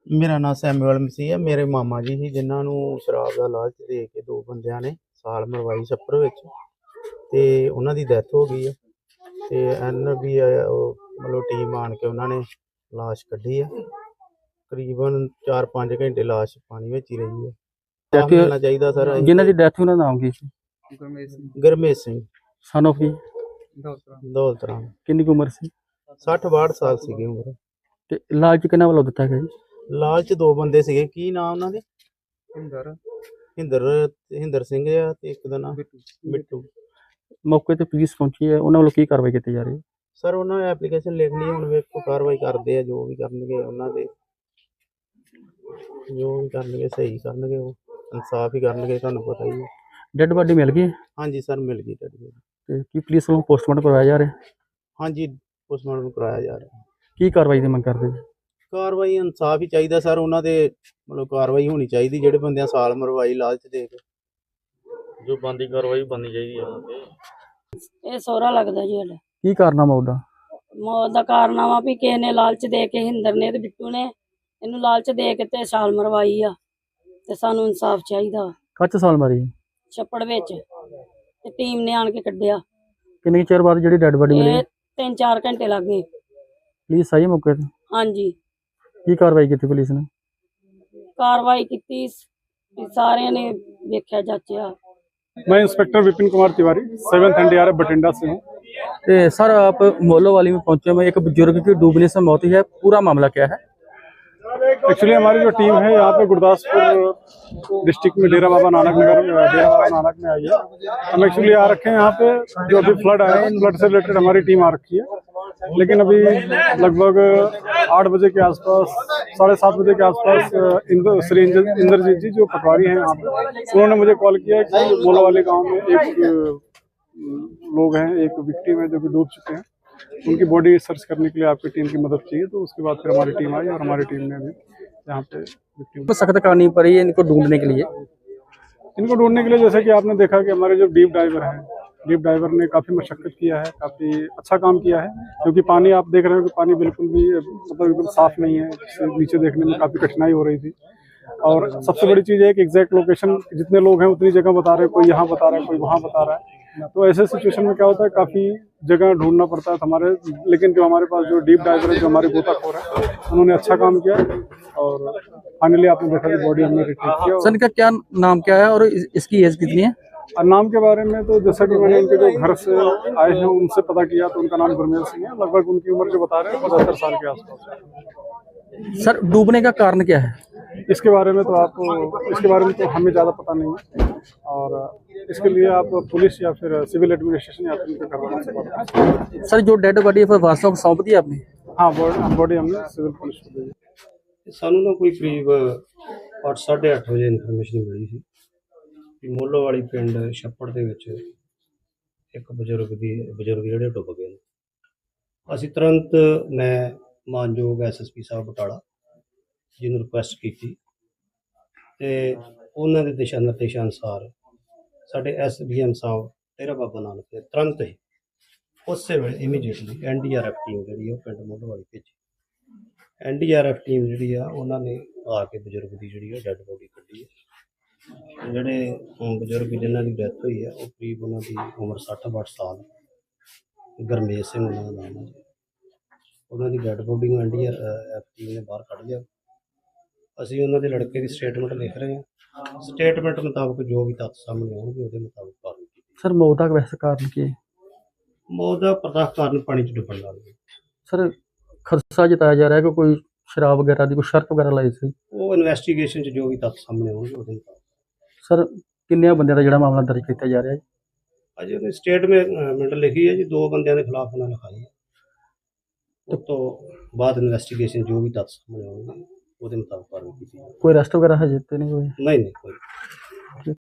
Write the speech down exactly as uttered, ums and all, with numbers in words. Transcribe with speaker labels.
Speaker 1: ਮੇਰਾ ਨਾਮ ਸੈਮੂਅਲ ਮਸੀਹ ਹੈ। ਮੇਰੇ ਮਾਮਾ ਜੀ ਸੀ ਜਿਨ੍ਹਾਂ ਨੂੰ ਸ਼ਰਾਬ ਦਾ ਲਾਲਚ ਦੇ ਕੇ ਦੋ ਬੰਦਿਆਂ ਨੇ ਸਾਲ ਮਰਵਾਈ ਛੱਪੜ ਵਿੱਚ, ਤੇ ਉਹਨਾਂ ਦੀ ਡੈਥ ਹੋ ਗਈ ਹੈ। ਤੇ ਐਨ ਵੀ ਉਹ ਮਤਲਬ ਟੀਮ ਆਣ ਕੇ ਉਹਨਾਂ ਨੇ ਲਾਸ਼ ਕੱਢੀ ਹੈ। ਤਕਰੀਬਨ ਚਾਰ ਪੰਜ ਘੰਟੇ ਲਾਸ਼ ਪਾਣੀ ਵਿੱਚ ਹੀ ਰਹੀ ਹੈ।
Speaker 2: ਡੈਥ
Speaker 1: ਮਿਲਣਾ ਚਾਹੀਦਾ ਸਰ।
Speaker 2: ਜਿਨ੍ਹਾਂ ਦੀ ਡੈਥ ਉਹਨਾਂ ਦਾ ਨਾਮ ਕੀ ਸੀ?
Speaker 1: ਗੁਰਮੇਸ਼ ਸਿੰਘ
Speaker 2: ਸਨ ਆਫ ਕੀ?
Speaker 1: ਦੌਲਤ ਰਾਮ।
Speaker 2: ਕਿੰਨੀ ਕੁ ਉਮਰ ਸੀ?
Speaker 1: ਸੱਠ ਬਾਹਠ ਸਾਲ ਸੀਗੀ ਉਮਰ।
Speaker 2: ਤੇ ਲਾਲਚ ਕਿਹਨਾਂ ਵੱਲੋਂ ਦਿੱਤਾ ਗਿਆ ਜੀ?
Speaker 1: ਲਾਲਚ ਦੋ ਬੰਦੇ ਸੀਗੇ। ਕੀ ਨਾਮ ਉਹਨਾਂ ਦੇ? ਹਿੰਦਰ ਹਿੰਦਰ ਹਿੰਦਰ ਸਿੰਘ ਆ ਤੇ ਇੱਕ ਦਾ ਨਾਮ ਬਿੱਟੂ।
Speaker 2: ਮੌਕੇ ਤੇ ਪੁਲਿਸ ਪਹੁੰਚੀ ਹੈ, ਉਹਨਾਂ ਵੱਲੋਂ ਕੀ ਕਾਰਵਾਈ ਕੀਤੀ ਜਾ ਰਹੀ ਹੈ?
Speaker 1: ਸਰ ਉਹਨਾਂ ਨੇ ਐਪਲੀਕੇਸ਼ਨ ਲਿਖ ਲਈ, ਹੁਣ ਵੇਖੋ ਕਾਰਵਾਈ ਕਰਦੇ ਆ। ਜੋ ਵੀ ਕਰਨਗੇ ਉਹਨਾਂ ਦੇ, ਜੋ ਵੀ ਕਰਨਗੇ ਸਹੀ ਕਰਨਗੇ, ਉਹ ਇਨਸਾਫ ਹੀ ਕਰਨਗੇ। ਤੁਹਾਨੂੰ ਪਤਾ ਹੀ ਹੈ।
Speaker 2: ਡੈੱਡ ਬਾਡੀ ਮਿਲ ਗਈ ਹੈ?
Speaker 1: ਹਾਂਜੀ ਸਰ ਮਿਲ ਗਈ ਡੈਡ ਬੋਡੀ।
Speaker 2: ਤੇ ਕੀ ਪੁਲਿਸ ਵੱਲੋਂ ਪੋਸਟਮਾਰਟਮ ਕਰਵਾਇਆ ਜਾ ਰਿਹਾ?
Speaker 1: ਹਾਂਜੀ ਪੋਸਟਮਾਰਟਮ ਕਰਾਇਆ ਜਾ ਰਿਹਾ।
Speaker 2: ਕੀ ਕਾਰਵਾਈ ਦੀ ਮੰਗ ਕਰਦੇ ਜੀ?
Speaker 1: ਕਾਰਵਾਈ ਇਨਸਾਫ ਹੀ ਚਾਹੀਦਾ ਸਰ। ਉਹਨਾਂ ਦੇ ਮਤਲਬ ਕਾਰਵਾਈ ਹੋਣੀ ਚਾਹੀਦੀ, ਜਿਹੜੇ ਬੰਦਿਆਂ ਸਾਲ ਮਰਵਾਈ ਲਾਲਚ ਦੇ ਕੇ। ਜੋ ਬੰਦੀ ਕਾਰਵਾਈ ਬਣਨੀ ਚਾਹੀਦੀ ਆ ਉਹਨਾਂ ਤੇ।
Speaker 3: ਇਹ ਸਹੁਰਾ ਲੱਗਦਾ ਜੀ ਸਾਡਾ।
Speaker 2: ਕੀ ਕਾਰਨਾਮਾ ਉਹਦਾ?
Speaker 3: ਮੌਤ ਦਾ ਕਾਰਨਾਮਾ ਵੀ ਕਿਸੇ ਨੇ ਲਾਲਚ ਦੇ ਕੇ, ਹਿੰਦਰ ਨੇ ਤੇ ਬਿੱਟੂ ਨੇ ਇਹਨੂੰ ਲਾਲਚ ਦੇ ਕੇ ਤੇ ਛਾਲ ਮਰਵਾਈ ਆ, ਤੇ ਸਾਨੂੰ ਇਨਸਾਫ ਚਾਹੀਦਾ।
Speaker 2: ਕੱਚ ਸਾਲ ਮਾਰੀ?
Speaker 3: ਛੱਪੜ ਵਿੱਚ, ਤੇ ਟੀਮ ਨੇ ਆਣ ਕੇ ਕੱਢਿਆ।
Speaker 2: ਕਿੰਨੇ ਚਿਰ ਬਾਅਦ ਜਿਹੜੀ ਡੈੱਡ ਬਾਡੀ ਮਿਲੀ?
Speaker 3: ਇਹ ਤਿੰਨ ਚਾਰ ਘੰਟੇ ਲੱਗ ਗਏ।
Speaker 2: ਪੁਲਿਸ ਆਈ ਮੌਕੇ ਤੇ?
Speaker 3: ਹਾਂਜੀ।
Speaker 2: ਕੀ ਕਾਰਵਾਈ ਕੀਤੀ ਪੁਲਿਸ ਨੇ?
Speaker 3: ਕਾਰਵਾਈ ਕੀਤੀ, ਸਾਰਿਆਂ ਨੇ ਵੇਖਿਆ ਜਾਚਿਆ।
Speaker 4: मैं inspector Vipin Kumar Tiwari, seventh NDRF Bathinda से हूँ।
Speaker 2: सर आप मोलोवाली में पहुंचे हुए, एक बुजुर्ग की डूबने से मौत हुई है, पूरा मामला क्या है?
Speaker 4: एक्चुअली हमारी जो टीम है यहाँ पे गुरदासपुर डिस्ट्रिक्ट में डेरा बाबा नानक नगर डेरा बाबा नानक में आई है। हम एक्चुअली आ रखे हैं यहाँ पे, जो अभी फ्लड आया है, फ्लड से रिलेटेड हमारी टीम आ रखी है। लेकिन अभी लगभग आठ बजे के आसपास, साढ़े सात बजे के आसपास इंद्र श्री इंद्रजीत जी जो पटवारी हैं यहाँ पे, उन्होंने मुझे कॉल किया कि मोलोवाली गाँव में एक लोग हैं, एक विक्टिम है जो कि डूब चुके हैं, उनकी बॉडी सर्च करने के लिए आपकी टीम की मदद चाहिए। तो उसके बाद फिर हमारी टीम आई और हमारी टीम ने भी यहाँ पे विक्टिम
Speaker 2: को सख्त करनी पड़ी है इनको ढूंढने के लिए।
Speaker 4: इनको ढूंढने के लिए जैसे कि आपने देखा कि हमारे जो डीप डाइवर हैं, डीप डाइवर ने काफ़ी मशक्कत किया है, काफ़ी अच्छा काम किया है। क्योंकि पानी आप देख रहे हो कि पानी बिल्कुल भी मतलब एकदम साफ़ नहीं है, नीचे देखने में काफ़ी कठिनाई हो रही थी। और सबसे बड़ी चीज़ है कि एग्जैक्ट लोकेशन, जितने लोग हैं उतनी जगह बता रहे हैं, कोई यहाँ बता रहा है, कोई वहाँ बता रहा है। तो ऐसे सिचुएशन में क्या होता है, काफ़ी जगह ढूंढना पड़ता है हमारे। लेकिन जो हमारे पास जो डीप डाइवर है, जो हमारे गोताखोर है, उन्होंने अच्छा काम किया और फाइनली आपने देखा कि बॉडी हमने रिट्रीव किया।
Speaker 2: सर इनका क्या नाम क्या है और इसकी एज कितनी है?
Speaker 4: और नाम के बारे में तो जैसा कि मैंने उनके जो घर से आए हैं उनसे पता किया, तो उनका नाम गुरमेल सिंह है। लगभग उनकी उम्र जो बता रहे हैं पचहत्तर साल के आसपास।
Speaker 2: सर डूबने का कारण क्या है?
Speaker 4: इसके बारे में तो आप इसके बारे में तो हमें ज़्यादा पता नहीं है, और इसके लिए आप पुलिस या फिर सिविल एडमिनिस्ट्रेशन या फिर करवाना सकते।
Speaker 2: सर जो डेड बॉडी है फिर वास्तव को सौंप दी आपने?
Speaker 4: हाँ, बॉडी हमने सिविल पुलिस को दी।
Speaker 5: ਸਾਨੂੰ ਨਾ ਕੋਈ ਕਰੀਬ ਅੱਠ ਸਾਢੇ ਅੱਠ ਵਜੇ ਇਨਫੋਰਮੇਸ਼ਨ ਮਿਲੀ ਸੀ ਕਿ ਮੋਲੋਵਾਲੀ ਪਿੰਡ ਛੱਪੜ ਦੇ ਵਿੱਚ ਇੱਕ ਬਜ਼ੁਰਗ ਦੀ ਬਜ਼ੁਰਗ ਜਿਹੜੇ ਡੁੱਬ ਗਏ ਨੇ। ਅਸੀਂ ਤੁਰੰਤ ਮੈਂ ਮਾਨਯੋਗ ਐਸ ਐਸ ਪੀ ਸਾਹਿਬ ਬਟਾਲਾ ਜੀ ਨੂੰ ਰਿਕੁਐਸਟ ਕੀਤੀ, ਤੇ ਉਹਨਾਂ ਦੇ ਦਿਸ਼ਾ ਨਿਰਦੇਸ਼ਾਂ ਅਨੁਸਾਰ ਸਾਡੇ ਐਸ ਡੀ ਐਮ ਸਾਹਿਬ ਡੇਰਾ ਬਾਬਾ ਨਾਨਕ ਨੇ ਤੁਰੰਤ ਹੀ ਉਸੇ ਵੇਲੇ immediately N D R F team ਜਿਹੜੀ ਉਹ ਪਿੰਡ ਮੋਲੋਵਾਲੀ ਭੇਜੀ। N D R F team ਜਿਹੜੀ ਆ ਉਹਨਾਂ ਨੇ ਆ ਕੇ ਬਜ਼ੁਰਗ ਦੀ ਜਿਹੜੀ ਆ ਡੈੱਡ ਬੋਡੀ ਕੱਢੀ ਹੈ। ਜਿਹੜੇ ਬਜ਼ੁਰਗ ਜਿਨ੍ਹਾਂ ਦੀ ਡੈਥ ਹੋਈ ਹੈ ਉਹ ਕਰੀਬ ਉਹਨਾਂ ਦੀ ਉਮਰ ਸੱਠ ਬਾਹਠ ਸਾਲ, ਗੁਰਮੇਸ਼ ਸਿੰਘ ਉਹਨਾਂ ਦਾ ਨਾਮ ਹੈ ਜੀ। ਉਹਨਾਂ ਦੀ ਡੈੱਡ ਬੋਡੀ ਨੂੰ N D R F team ਨੇ ਬਾਹਰ ਕੱਢ ਲਿਆ। ਅਸੀਂ ਉਹਨਾਂ ਦੇ ਲੜਕੇ ਦੀ ਸਟੇਟਮੈਂਟ ਲਿਖ ਰਹੇ ਹਾਂ। ਸਟੇਟਮੈਂਟ ਮੁਤਾਬਕ ਜੋ ਵੀ ਤੱਥ ਸਾਹਮਣੇ ਆਉਣਗੇ ਉਹਦੇ ਮੁਤਾਬਕ ਕਾਰਵਾਈ ਕੀਤੀ।
Speaker 2: सर मौत का वैसे कारण क्या है?
Speaker 5: ਮੌਤ ਦਾ ਪ੍ਰਤੱਖ ਕਾਰਨ ਪਾਣੀ 'ਚ ਡੁੱਬਣ ਨਾਲ ਹੈ।
Speaker 2: सर खदशा जताया जा रहा है कि कोई शराब वगैरह की कोई शर्त वगैरह लाई थी?
Speaker 5: ਉਹ ਇਨਵੈਸਟੀਗੇਸ਼ਨ 'ਚ ਜੋ ਵੀ ਤੱਥ ਸਾਹਮਣੇ ਆਉਣਗੇ ਉਹਦੇ ਮੁਤਾਬਕ।
Speaker 2: सर किन्ने बंदे का जो मामला दर्ज किया जा रहा है?
Speaker 5: ਅਜੇ ਉਹਨੇ ਸਟੇਟਮੈਂਟ ਲਿਖੀ ਹੈ ਜੀ, ਦੋ ਬੰਦਿਆਂ ਦੇ ਖਿਲਾਫ ਉਹਨਾਂ ਲਿਖਾਈ ਹੈ। ਉਸ ਤੋਂ ਬਾਅਦ ਇਨਵੈਸਟੀਗੇਸ਼ਨ ਜੋ ਵੀ ਤੱਥ ਸਾਹਮਣੇ ਆਉਣਗੇ ਉਹਦੇ ਮੁਤਾਬਕ ਕਾਰਵਾਈ ਕੀਤੀ ਜਾਵੇਗੀ।
Speaker 2: कोई अरेस्ट वगैरह है जितने नहीं हुए?
Speaker 5: नहीं नहीं कोई